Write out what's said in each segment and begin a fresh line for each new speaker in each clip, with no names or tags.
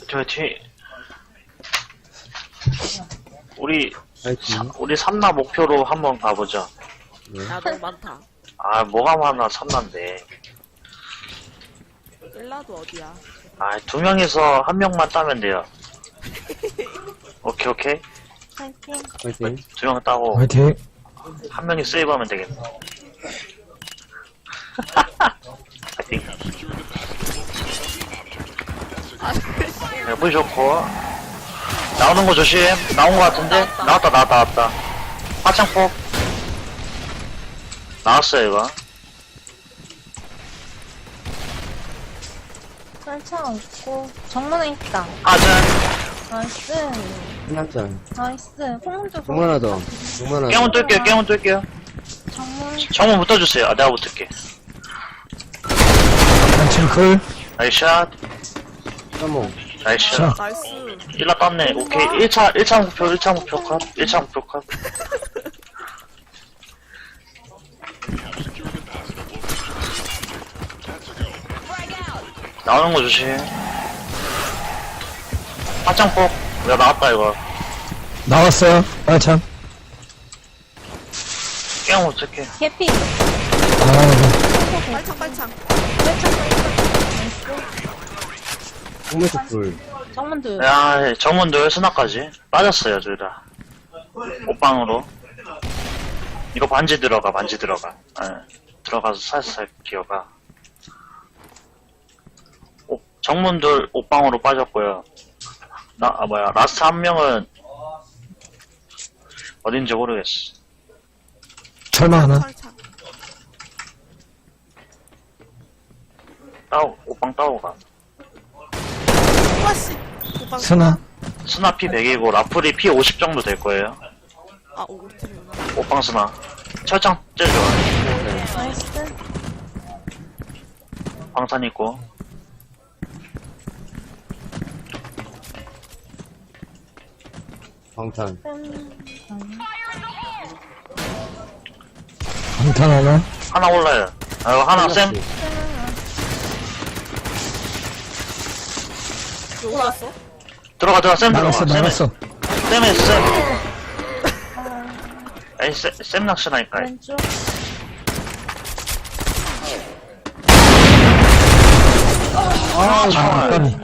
화이팅. 우리
파이팅.
우리 삼나 목표로 한번 가보자.
네.
야, 너무 많다.
아 뭐가 많아 삼나인데.
일라도 어디야?
아 2명이서 1명만 따면 돼요. 오케이 오케이.
파이팅.
파이팅.
2명 따고
화이팅.
1명이 세이브하면 되겠네. 파이팅. 네, 물 좋고 나오는 거 조심. 나온 거 같은데? 나왔다. 화창폭 나왔어요 이거.
설창 없고 정문에 있다.
하전
나이스.
끝났잖아.
나이스. 폭문도
정문 하나 더. 정문 하나 더.
깨문 뚫게요.
정문.
정문 붙어주세요. 아 내가 붙을게.
단층클.
나이샷
쌈몽.
나이샷.
자.
나이스.
일라 땄네. 오케이. 1차 목표 컷. 1차 목표 컷. 나오는 거 조심. 화창폭. 야, 나왔다, 이거.
나왔어요. 빨창.
깨면 어떡해.
개피.
아,
빨창, 빨창.
홍매석 불.
정문도.
야, 정문들 스나까지. 빠졌어요, 둘 다. 옷방으로. 이거 반지 들어가. 예. 들어가서 살살 기어가. 정문들 옷방으로 빠졌고요. 라스트 한 명은 어딘지 모르겠어.
철마 하나.
철창.
옷방 따고 가.
와씨. 오빠.
스나.
스나 피 100이고 라플이 피 50 정도 될 거예요.
아, 우리 팀이구나.
옷방 스나. 철장 제일 좋아요.
나이스.
방탄 있고.
방탄.
방탄 하나.
하나 올라요. 아, 이거 하나 쌤.
왜 올랐어?
들어가 쌤 들어가.
나갔어.
쌤에 쌤. 에이 쌤 낚시나니까.
왼쪽.
아 정말.
까비.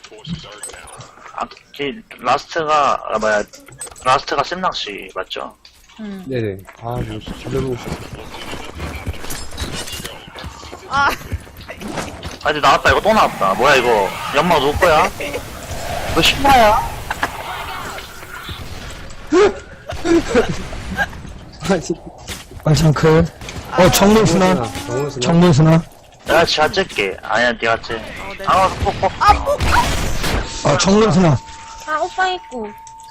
라스트가 쌤 낚시 맞죠?
응.
네네. 아, 이거 진짜 보고 싶어.
아,
아 이제 나왔다. 이거 또 나왔다. 뭐야 이거? 연막 누구 거야? 이거 신나야?
아, 진짜.
빨창클. 정문 스나.
정문 스나.
정문 스나.
내가 지하 찔게. 아니야 니가 찔.
네.
아 폭폭.
정문 스나.
아, 오빠 있고.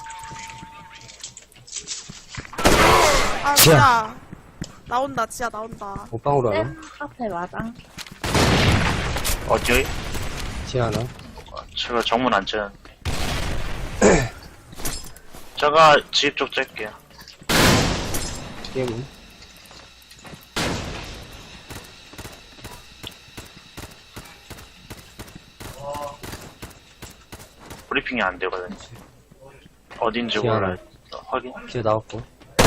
아,
지하.
지야. 나온다, 지야, 나온다.
옷방으로 하나.
쌤 앞에 마당.
어디?
지 하나.
제가 정문 안 찌는. 제가 집 쪽 찔게요.
게임은.
브리핑이 안 되거든요. 어딘지
지하나.
몰라요. 확인.
기어 나왔고.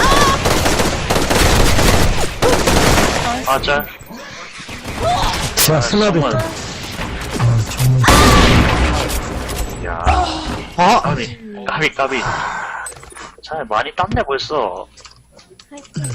아 짤.
자, 스나도
정문.
있다. 정문.
야.
아!
까비. 잘 많이 땄네 벌써.
파이팅.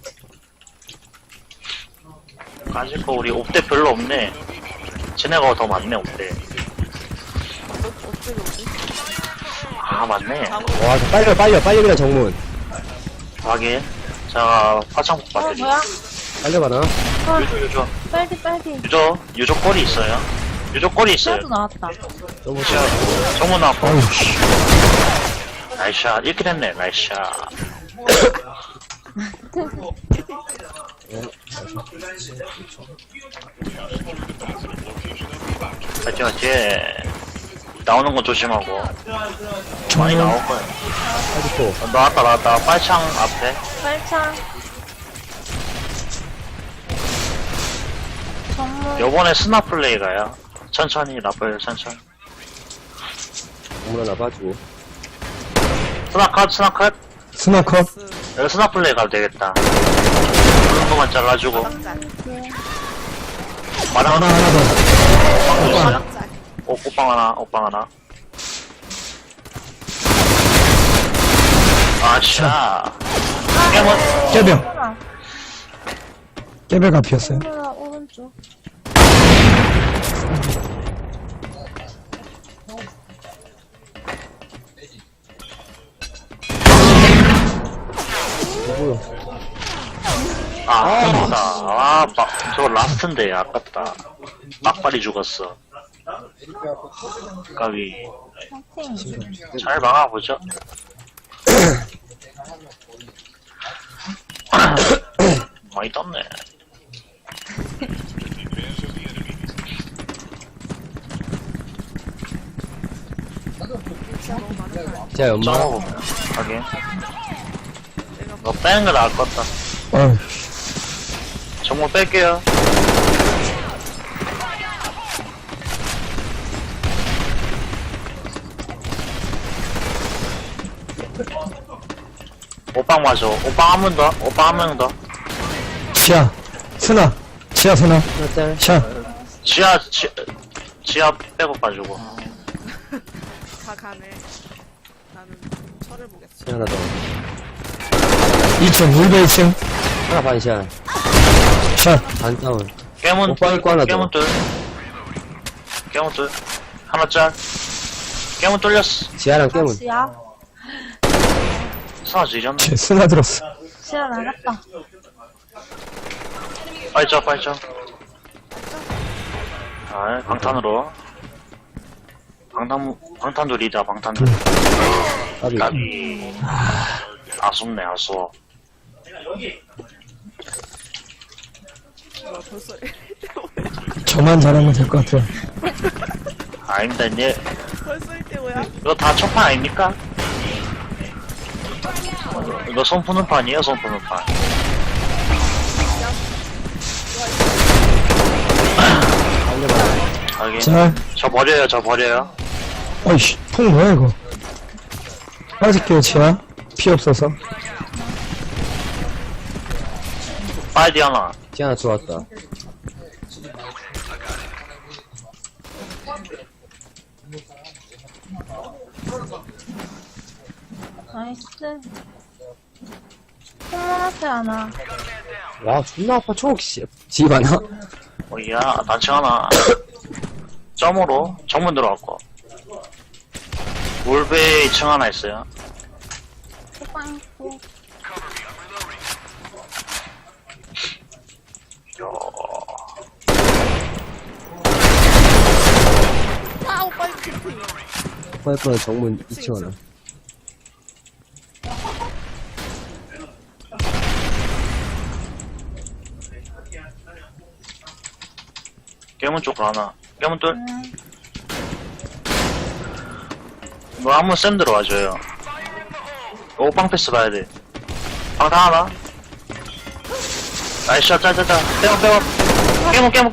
가질 거 우리 옵대 별로 없네. 쟤네가 더 많네 옵대.
어떻게 오지?
아 맞네.
와, 저 빨려 그냥 정문.
확인. 자 화창복
어,
받으리.
뭐야?
빨려 가나?
유조.
빨리.
유조 꼬리 있어요. 유조 꼬리 있어요.
샤도 나왔다.
정문
자, 정문 나왔고.
어우, 씨.
나이스샷. 이렇게 됐네. 나이스샷. 맞지. 나오는 거 조심하고. 많이
정문.
나올 거야.
빠지고.
나왔다. 빨창 앞에.
빨창. 정문.
요번에 스나 플레이가요. 천천히 라플 천천히.
정문 하나 봐주고.
스나컷.
스나컷.
여기 스나 플레이 가도 되겠다. 그런 거만 잘라주고.
마당짤.
마당
하나 더.
마당짤.
옷방 하나. 아차. 깨문.
깨병.
하나.
깨배가 피었어요.
하나, 오른쪽.
뭐야.
아깝다. 저거 라스트인데, 아깝다. 막발이 죽었어. 까비.
파이팅.
잘 막아보죠. 많이 떴네.
자, 연마.
점어보면. 하긴. 너 빼는 거 나을 것 같다.
어휴.
정말 뺄게요. 오빵 맞아. 오빵 한 번 더. 오빵 한 명 더.
지하. 스나. 지하 스나.
하나 짤.
샤.
지하 빼고 가지고.
다 가네. 나는 철을 보겠어.
시 하나 더.
2층. 울베 2층.
하나 반샷.
샤.
반 다운.
깨문
오빵 있고 하나 더.
깨문 둘. 하나 짤. 깨문 뚫렸어.
지하랑 깨문.
지하.
스나 지렸네.
쟤 스나 들었어.
지하 나갔다.
빨리 쳐. 아, 방탄으로. 방탄도 리다, 방탄도.
까비.
까비. 아쉽네, 아쉬워.
벌써
저만 잘하면 될 것 같아요.
아닙니다, 이제.
벌써 1대5야?
이거 다 첫판 아닙니까? 이거 손 푸는 판이에요, 손 푸는 판. 하긴.
자.
저 버려요.
어이씨. 풍 뭐야 이거. 빠질게요 지하. 피 없어서.
빨리 하나.
지 하나 들어왔다.
나이스. 콩문 앞에 하나.
와, 존나 아파, 촉, 씨. 집 하나?
야, 단층 하나. 점으로 정문 들어갔고. 울베 2층 하나 있어요.
호빵 있고.
아, 오빠 이거 캠핑.
파이프는 정문 2층 하나.
깨문 쪽으로 하나. 깨문 뚫.
음.
뭐 한번 쌤 들어와줘요. 오빵 패스 봐야 돼. 방탄 하나. 나이스 샷, 짜자자. 깨문.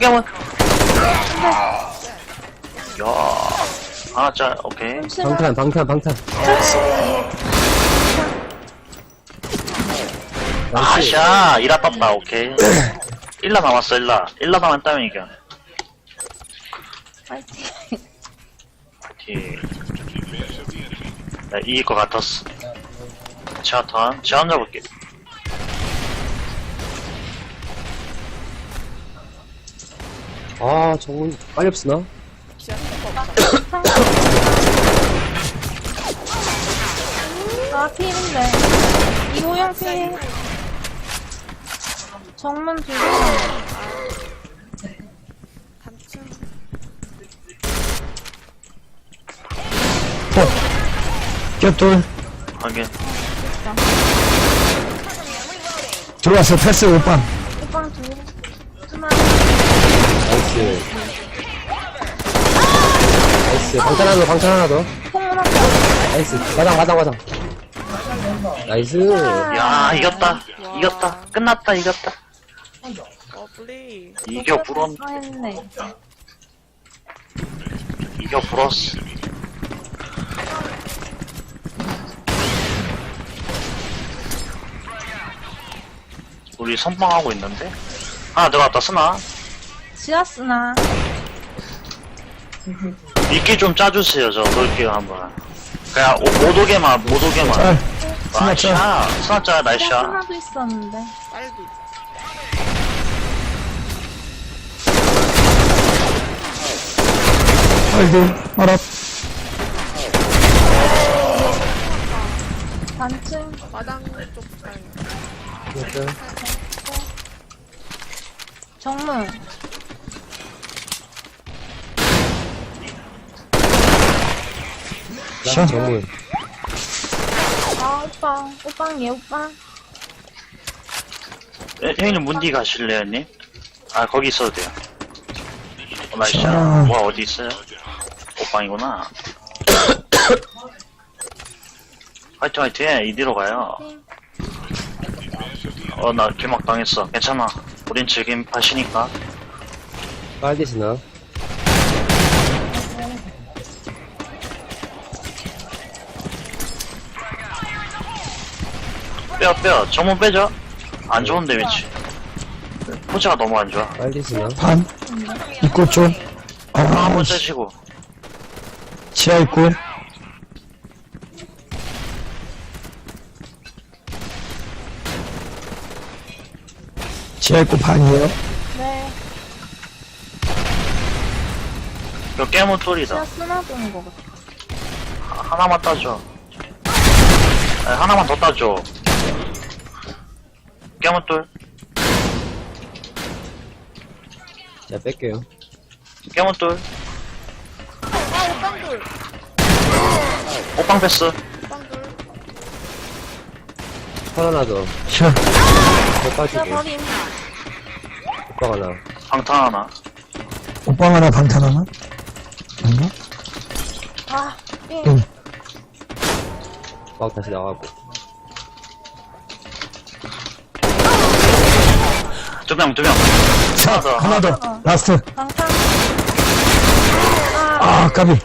야, 하나 짤, 오케이.
방탄.
아샤, 일라 떴다, 오케이. 일라 남았어, 일라 남았다면 이겨.
파이팅.
파이팅. 나 이길 것 같았어. 제한 잡을게.
아, 정문, 빨리 없으나?
지하 캠퍼 없다.
아, 필인데. 이호영 필. 정문 두 개.
단층.
겹돌.
하긴.
들어왔어. 패스 오빵.
호빵 두 개. 하나.
나이스. 방탄 하나 더.
콩문 앞에.
나이스. 마당. 나이스.
야, 이겼다. 끝났다, 이겼다.
러블리.
이겨 불었,
했네.
이겨 불었어. 우리 선방하고 있는데? 하나 들어갔다, 쓰나?
지하스나.
미끼 좀 짜주세요, 저 넣을게요, 한번. 그냥, 못 오게만.
짤. 스나 짤.
나이샤. 스나짜, 나이샤.
하나도 있었는데.
빨도 있어.
빨리. 알아.
단층.
마당 쪽 가요.
정문.
샷.
정문.
아, 오빠. 오빵, 얘 오빠.
형님 문디 가실래요, 형님? 아, 거기 있어도 돼요. 나이샤.
자.
뭐, 어디 있어요? 옷방이구나. 화이팅, 화이팅. 이리로 가요. 나 길막 당했어. 괜찮아. 우린 즐김 파시니까.
빨디스나.
빼요. 정문 빼죠. 안 좋은데, 위치. 포즈가 너무 안 좋아.
빨디스나.
반. 입구 쪽.
한번 째시고.
지하 입구. 지하 입구 반이에요.
네.
이거 깨문 뚫이다.
지하스나 도는 거 같아.
하나만 따줘. 아니, 하나만 더 따줘. 깨문 뚫.
자, 뺄게요.
깨문 뚫.
아, 오빵돌.
옷방 패스.
오빵돌.
하나 더.
샷.
더
자,
빠지게.
버림.
오빠가 나.
방탄 하나.
옷방 하나 방탄 하나. 뭔가?
아, 삥.
응.
오빠 다시 나가고.
두 명.
자, 하나 더. 라스트.
방탄.
아, 까비.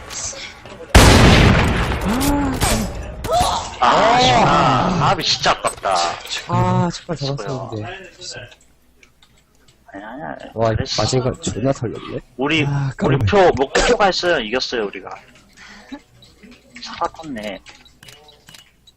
합이 진짜 아깝다.
아, 정말 잡았었는데.
아니야.
와,
그랬어.
마지막 존나 털렸네.
우리
아, 까비.
목표가 있어요. 이겼어요, 우리가. 살았었네.